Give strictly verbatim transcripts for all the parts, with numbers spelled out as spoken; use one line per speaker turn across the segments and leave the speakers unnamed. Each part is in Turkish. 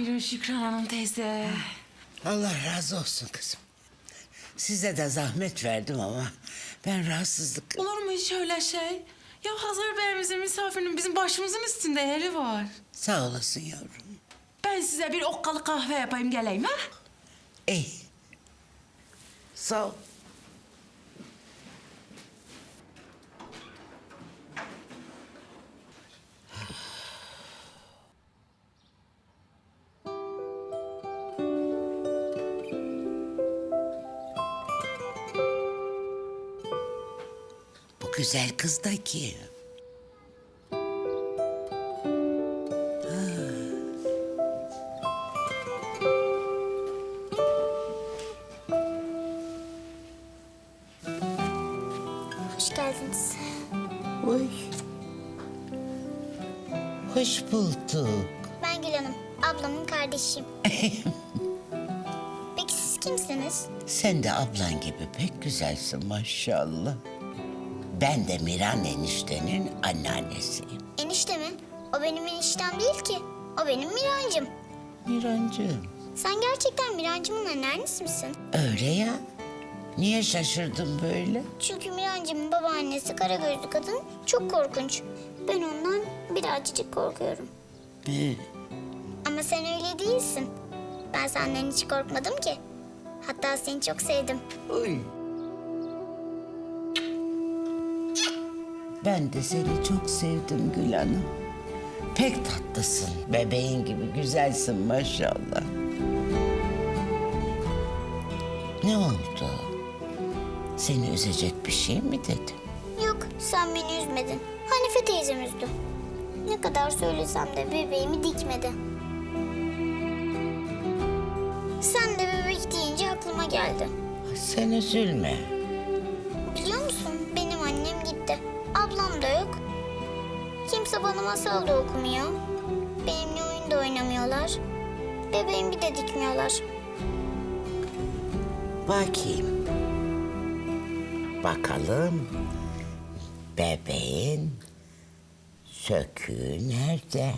Buyurun Şükran Hanım teyze.
Allah razı olsun kızım. Size de zahmet verdim ama ben rahatsızlık...
Olur mu hiç öyle şey? Ya hazır Bey'imizin misafirinin bizim başımızın üstünde yeri var.
Sağ olasın yavrum.
Ben size bir okkalı kahve yapayım geleyim ha?
İyi. Sağ ol. Bu güzel kız da kim?
Hoş geldiniz.
Oy. Hoş bulduk.
Ben Gül Hanım, ablamın kardeşiyim. Peki siz kimsiniz?
Sen de ablan gibi pek güzelsin maşallah. Ben de Miran eniştenin anneannesiyim.
Enişte mi? O benim eniştem değil ki. O benim Mirancım.
Mirancığım.
Sen gerçekten Mirancımın anneannesi misin?
Öyle ya. Niye şaşırdın böyle?
Çünkü Mirancımın babaannesi kara gözlü kadın çok korkunç. Ben ondan birazcık korkuyorum.
Ee,
Ama sen öyle değilsin. Ben senden hiç korkmadım ki. Hatta seni çok sevdim.
Oy. Ben de seni çok sevdim Gül Hanım. Pek tatlısın. Bebeğin gibi güzelsin maşallah. Ne oldu? Seni üzecek bir şey mi dedim?
Yok, sen beni üzmedin. Hanife teyzem üzdü. Ne kadar söylesem de bebeğimi dikmedi. Sen de bebek deyince aklıma geldi.
Sen üzülme.
Biliyor musun, benim annem gitti. Ablam da yok. Kimse bana masal da okumuyor. Benimle oyun da oynamıyorlar. Bebeğimi de dikmiyorlar.
Bakayım. Bakalım. Bebeğin söküğü nerede?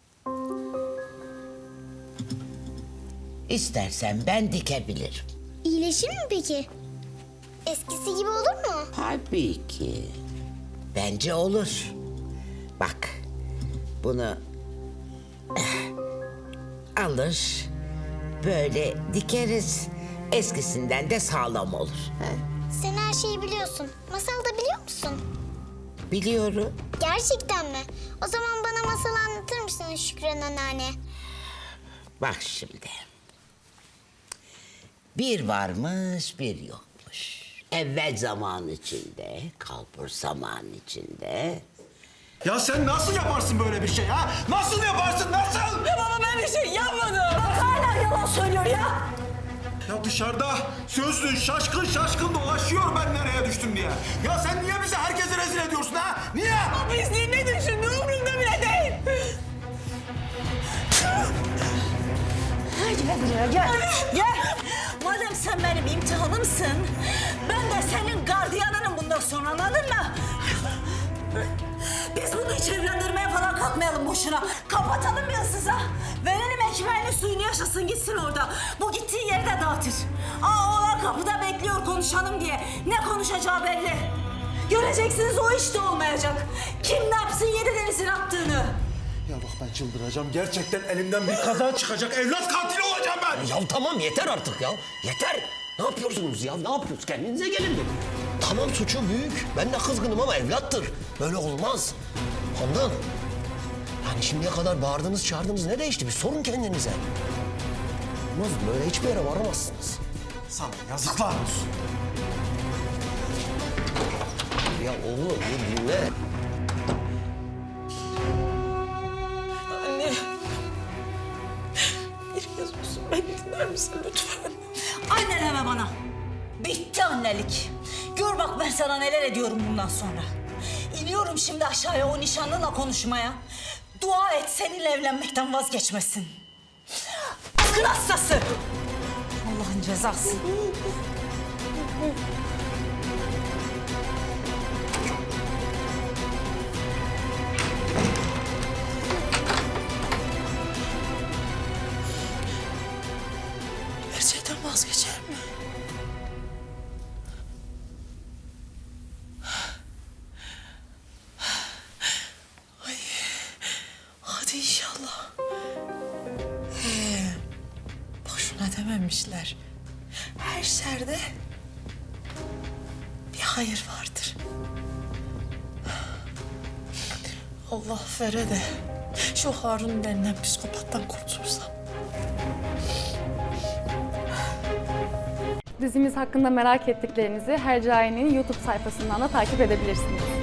İstersen ben dikebilirim.
İyileşir mi peki? Eskisi gibi olur mu?
Tabii ki. Bence olur. Bak, bunu eh, alır, böyle dikeriz. Eskisinden de sağlam olur. Ha?
Sen her şeyi biliyorsun. Masal da biliyor musun?
Biliyorum.
Gerçekten mi? O zaman bana masal anlatır mısın Şükran anneanne?
Bak şimdi. Bir varmış, bir yokmuş. Evvel zaman içinde, kalbur zaman içinde.
Ya sen nasıl yaparsın böyle bir şey ha? Nasıl yaparsın, nasıl?
Ya baba ben bir şey yapmadım.
Hala yalan söylüyor ya.
Ya dışarıda sözlü şaşkın şaşkın dolaşıyor ben nereye düştüm diye. Ya sen niye bizi herkese rezil ediyorsun ha? Niye?
Pisliğin ne düşündüğü umurumda bile değil.
Gel buraya gel. Gel. Madem sen benim imtihanımsın, ben de senin gardiyanınım bundan sonra, anladın mı? Biz bunu hiç evlendirmeye falan kalkmayalım boşuna. Kapatalım yasıza. Verelim ekmeğini suyunu yaşasın gitsin orada. Bu gittiği yeri de dağıtır. Aa oğlan kapıda bekliyor konuşalım diye. Ne konuşacağı belli. Göreceksiniz o iş de olmayacak. Kim ne yapsın yedi denizin attığını.
Ya bak ben çıldıracağım. Gerçekten elimden bir kaza çıkacak. Evlat katili olacağım ben.
Ya tamam yeter artık ya. Yeter. Ne yapıyorsunuz ya? Ne yapıyorsunuz? Kendinize gelin bir. Tamam suçu büyük. Ben de kızgınım ama evlattır. Böyle olmaz. Handan. Yani şimdiye kadar bağırdınız çağırdınız ne değişti? Bir sorun kendinize. Olmaz böyle hiçbir yere varamazsınız.
Sana yazıklar olsun.
Ya oğlum bir dinle.
Anne. Bir kez olsun beni dinler misin lütfen?
Anne deme bana. Bitti annelik. Gör bak ben sana neler ediyorum bundan sonra. İniyorum şimdi aşağıya o nişanlınla konuşmaya. Dua et seninle evlenmekten vazgeçmesin. Akıl hastası. Allah'ın cezası.
demişler. Her şerde bir hayır vardır. Allah vere de şu Harun denilen psikopattan kurtulsam.
Dizimiz hakkında merak ettiklerinizi Hercai'nin YouTube sayfasından da takip edebilirsiniz.